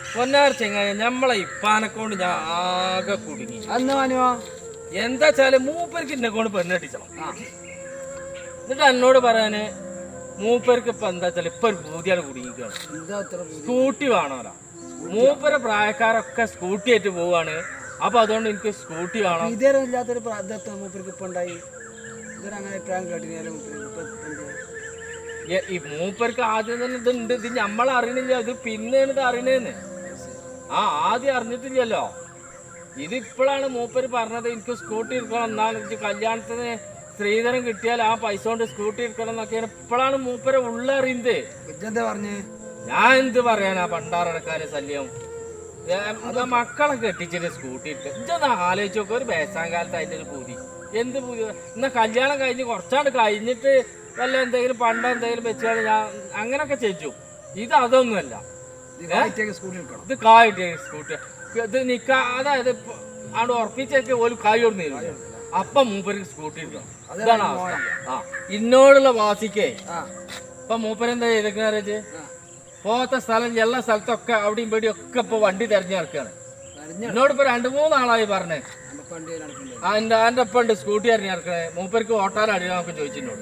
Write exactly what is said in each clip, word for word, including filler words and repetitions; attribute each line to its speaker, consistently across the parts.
Speaker 1: പൊന്നാർ ചെങ്ങായ നമ്മളെ ഇപ്പാനെക്കൊണ്ട് ഞാൻ ആകെ കുടുങ്ങി.
Speaker 2: അന്ന് മാനുവോ
Speaker 1: എന്താ വെച്ചാല് മൂപ്പർക്ക് എന്നെ കൊണ്ട് പെണ്ണെട്ടിച്ചണം. എന്നിട്ട് എന്നോട് പറയാന് മൂപ്പർക്ക് ഇപ്പൊ എന്താ വെച്ചാൽ ഇപ്പൊ ഒരു പൂതിയാണ് കുടുങ്ങിക്കുകയാണ്. സ്കൂട്ടി വേണമല്ലോ. മൂപ്പര പ്രായക്കാരൊക്കെ സ്കൂട്ടി ആയിട്ട് പോവാണ്. അപ്പൊ അതുകൊണ്ട് എനിക്ക് സ്കൂട്ടി വേണം.
Speaker 2: ഇതേരം ഇല്ലാത്തൊരു മൂപ്പർക്ക് ഇപ്പൊ ഉണ്ടായി. അങ്ങനെ അഭിപ്രായം കേട്ടില്ല.
Speaker 1: ഈ മൂപ്പർക്ക് ആദ്യം തന്നെ ഇതുണ്ട്. ഇത് നമ്മളറിയണില്ല. ഇത് പിന്നെയാണ് ഇത് അറിയണേന്ന്. ആ ആദ്യം അറിഞ്ഞിട്ടില്ലല്ലോ. ഇത് ഇപ്പോഴാണ് മൂപ്പര് പറഞ്ഞത് എനിക്ക് സ്കൂട്ടി എടുക്കണം. എന്നാൽ എനിക്ക് കല്യാണത്തിന് സ്ത്രീധനം കിട്ടിയാൽ ആ പൈസ കൊണ്ട് സ്കൂട്ടി എടുക്കണം എന്നൊക്കെയാണ് ഇപ്പോഴാണ് മൂപ്പര് ഉള്ളറിയുന്നത്.
Speaker 2: എന്താ പറഞ്ഞ്
Speaker 1: ഞാൻ എന്ത് പറയാനാ പണ്ടാറടക്കാരെ ശല്യം. മക്കളെ കെട്ടിച്ചിട്ട് സ്കൂട്ടി എടുക്കുക. ഇതൊന്ന് ആലോചിച്ച് നോക്കുക. ഒരു ബേസാൻ കാലത്ത് അതിൻ്റെ ഒരു പൂതി എന്ത് പൂതി. എന്നാ കല്യാണം കഴിഞ്ഞ് കുറച്ചാണ്ട് കഴിഞ്ഞിട്ട് വല്ല എന്തെങ്കിലും പണ്ടോ എന്തെങ്കിലും വെച്ചാൽ ഞാൻ അങ്ങനൊക്കെ ചെയ്യും. ഇത് അതൊന്നുമല്ല. ഇത് കായിട്ട് സ്കൂട്ടി ഇത് നിക്ക അതായത് അവിടെ ഉറപ്പിച്ചൊക്കെ ഒരു കായ് കൊണ്ട് തരും. അപ്പം മൂപ്പർക്ക് സ്കൂട്ടി എടുക്കണം. ഇതാണ് അവസ്ഥ. ആ ഇന്നോടുള്ള വാസിക്കേ ഇപ്പൊ മൂപ്പരെന്താ ചെയ്തേക്കുന്ന പോകാത്ത സ്ഥലം എല്ലാ സ്ഥലത്തൊക്കെ അവിടെയും പേടിയും ഒക്കെ ഇപ്പൊ വണ്ടി തെരഞ്ഞു നടക്കുകയാണ്. എന്നോട് ഇപ്പൊ രണ്ടു മൂന്നാളായി പറഞ്ഞേ ആ എന്റെ എന്റെ ഒപ്പം ഉണ്ട് സ്കൂട്ടി തെരഞ്ഞു നടക്കണേ. മൂപ്പർക്ക് ഓട്ടാൻ അടിയാന്നൊക്കെ ചോദിച്ചിട്ടോട്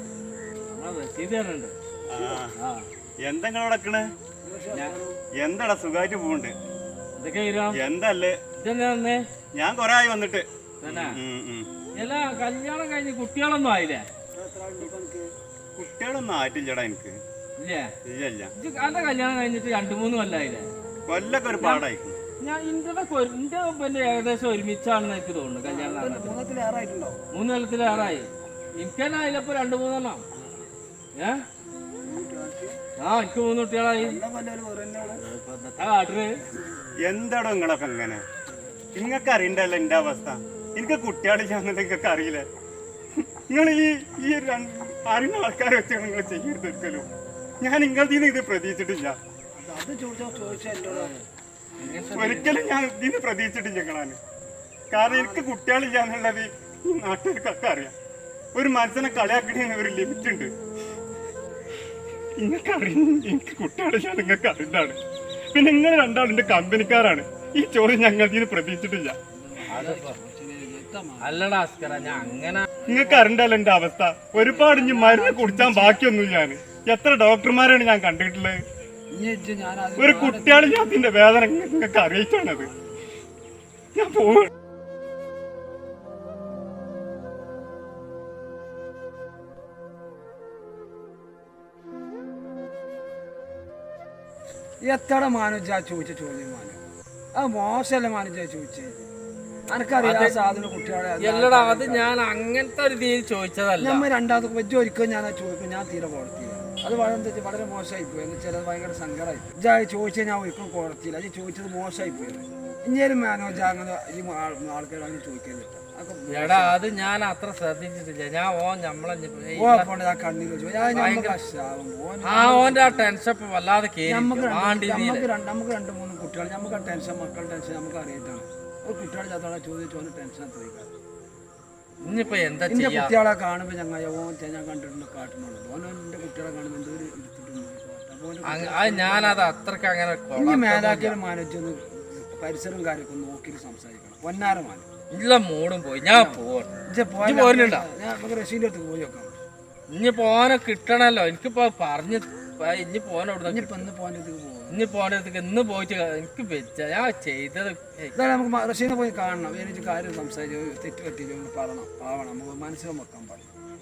Speaker 3: എന്തെങ്കിലേ എന്താടാ സുഖമായിട്ട് പോണ്ട്. എന്തല്ലേ ഞാൻ കൊറേ ആയി വന്നിട്ട്.
Speaker 1: എല്ലാ കല്യാണം കഴിഞ്ഞ് കുട്ടികളൊന്നും ആയില്ലേ?
Speaker 3: കുട്ടികളൊന്നും ആയിട്ടില്ലടാ എനിക്ക്.
Speaker 1: അന്റെ കല്യാണം കഴിഞ്ഞിട്ട് രണ്ടു മൂന്ന് കൊല്ലായില്ലേ?
Speaker 3: കൊല്ലൊക്കെ ഒരു പാടായി.
Speaker 1: ഞാൻ ഇന്റെ ഇന്റെ പിന്നെ ഏകദേശം ഒരുമിച്ചാണെന്ന് എനിക്ക് തോന്നുന്നു. കല്യാണം മൂന്ന് കൊല്ലത്തിലേറായി. എനിക്ക് തന്നെ അതിലപ്പോ രണ്ടു മൂന്നെണ്ണം. ഏ ആ എനിക്ക് മൂന്ന് കുട്ടികളായി.
Speaker 3: എന്താടോ നിങ്ങളൊക്കെ ഇങ്ങനെ? നിങ്ങക്ക് അറിയണ്ടല്ലോ എന്റെ അവസ്ഥ. എനിക്ക് കുട്ടികളില്ലാന്നുണ്ടെങ്കിൽ നിങ്ങൾക്ക് അറിയില്ലേ? നിങ്ങൾ ഈ ഈ അറിയുന്ന ആൾക്കാരെ വെച്ചാണ് നിങ്ങൾ ചെയ്യരുത് ഒരിക്കലും. ഞാൻ നിങ്ങളിൽ ഇത് പ്രതീക്ഷിച്ചിട്ടില്ല. ഒരിക്കലും ഞാൻ ഇതിന് പ്രതീക്ഷിച്ചിട്ടില്ല നിങ്ങളാണ്. കാരണം എനിക്ക് കുട്ടികളില്ല എന്നുള്ളത് ഈ നാട്ടുകാർക്കൊക്കെ അറിയാം. ഒരു മനസ്സിനെ കളിയാക്കണേന് ഒരു ലിമിറ്റ് ഉണ്ട്. നിങ്ങൾക്ക് അറിയും എനിക്ക് കുട്ടികളില്ല, നിങ്ങൾക്ക് അറിയുന്നതാണ്. പിന്നെ നിങ്ങൾ രണ്ടാളും എന്റെ കമ്പനിക്കാരാണ്. ഈ ചോദ്യം ഞങ്ങൾ ഇതിന് പ്രതീക്ഷിച്ചിട്ടില്ല.
Speaker 1: അല്ലടാ അസ്കര ഞാൻ അങ്ങനെ
Speaker 3: നിങ്ങൾക്ക് അറിയണ്ടല്ലോ എന്റെ അവസ്ഥ. ഒരുപാട് ഇനി മരുന്ന് കുടിച്ചാൻ ബാക്കിയൊന്നും ഞാൻ എത്ര ഡോക്ടർമാരാണ് ഞാൻ കണ്ടിട്ടുള്ളത്. ഒരു കുട്ടികളില്ലാത്തിന്റെ വേദന നിങ്ങൾക്ക് അറിയിച്ചാണത്. ഞാൻ പോവാ.
Speaker 2: എത്ര മാനുജ ചോദിച്ച ചോദ്യം മാനു ആ മോശമല്ല മാനുജ ചോദിച്ചത്.
Speaker 1: എല്ലടാ അത് ഞാൻ അങ്ങനത്തെ ഒരു രീതിയിൽ ചോദിച്ചതല്ല.
Speaker 2: നമ്മൾ രണ്ടാമത്തെ വെച്ച് ഒരിക്കലും ഞാൻ ചോദിക്കും. ഞാൻ തീരെ കൊടുത്തില്ല. അത് വളരെ വളരെ മോശമായി പോയി. എന്ന് വെച്ചാൽ അത് ഭയങ്കര സങ്കടമായി. ഇജാ ചോദിച്ചാൽ ഞാൻ ഒരിക്കലും കൊടുത്തില്ല. അത് ചോദിച്ചത് മോശമായി പോയി. ഇനിയൊരു മാനോജ അങ്ങനെ ആൾക്കാർ അങ്ങനെ ചോദിക്കുന്നില്ല.
Speaker 1: എടാ അത് ഞാൻ അത്ര ശ്രദ്ധിച്ചിട്ടില്ല. ഞാൻ ഓ നമ്മളെ
Speaker 2: കണ്ണീര്
Speaker 1: ആ ഓന്റെ ആ ടെൻഷൻ ഇപ്പൊ വല്ലാതെ
Speaker 2: നമുക്ക് നമുക്ക് രണ്ട് മൂന്ന് കുട്ടികൾ നമുക്ക് ആ ടെൻഷൻ മക്കളുടെ ടെൻഷൻ നമുക്ക് അറിയിട്ടാണ്. ഒരു കുട്ടികളെ ചോദിച്ചു ടെൻഷൻ ചോദിക്കാം.
Speaker 1: ഇനിയിപ്പോ എന്താ
Speaker 2: എന്റെ കുട്ടികളെ കാണുമ്പോ ഞങ്ങൾ ഓൻ ഞാൻ കണ്ടിട്ടുണ്ട് കാട്ടുന്നുള്ളൂ. ഓനോ എന്റെ കുട്ടികളെ കാണുമ്പോ എന്തോ ഒരു എടുത്തിട്ടുണ്ട്.
Speaker 1: ഞാനത് അത്രക്ക് അങ്ങനെ
Speaker 2: ഇനി മേലാക്കിയൊരു മാനേജൊന്ന് പരിസരം കാര്യമൊക്കെ നോക്കിയിട്ട് സംസാരിക്കണം. പൊന്നാര മാന
Speaker 1: ഇല്ല മൂടും പോയി. ഞാൻ പോരുന്നുണ്ടോ?
Speaker 2: നമുക്ക് റഷീന്റെ അടുത്ത് പോയി നോക്കാം.
Speaker 1: ഇനി പോനെ കിട്ടണല്ലോ. എനിക്കിപ്പോ പറഞ്ഞ് ഇനി പോനെ
Speaker 2: ഇനിയിപ്പോ ഇന്ന് പോകാൻ പോകും.
Speaker 1: ഇനി പോണത്തേക്ക് ഇന്ന് പോയിട്ട് എനിക്ക് വെച്ച ഞാൻ ചെയ്തത്
Speaker 2: നമുക്ക് റഷീനെ പോയി കാണണം. എനിക്ക് കാര്യം സംസാരിച്ച് തെറ്റ് പറ്റി പറയണം പാവണം. നമുക്ക് മനസ്സിലും വെക്കാൻ പറയും.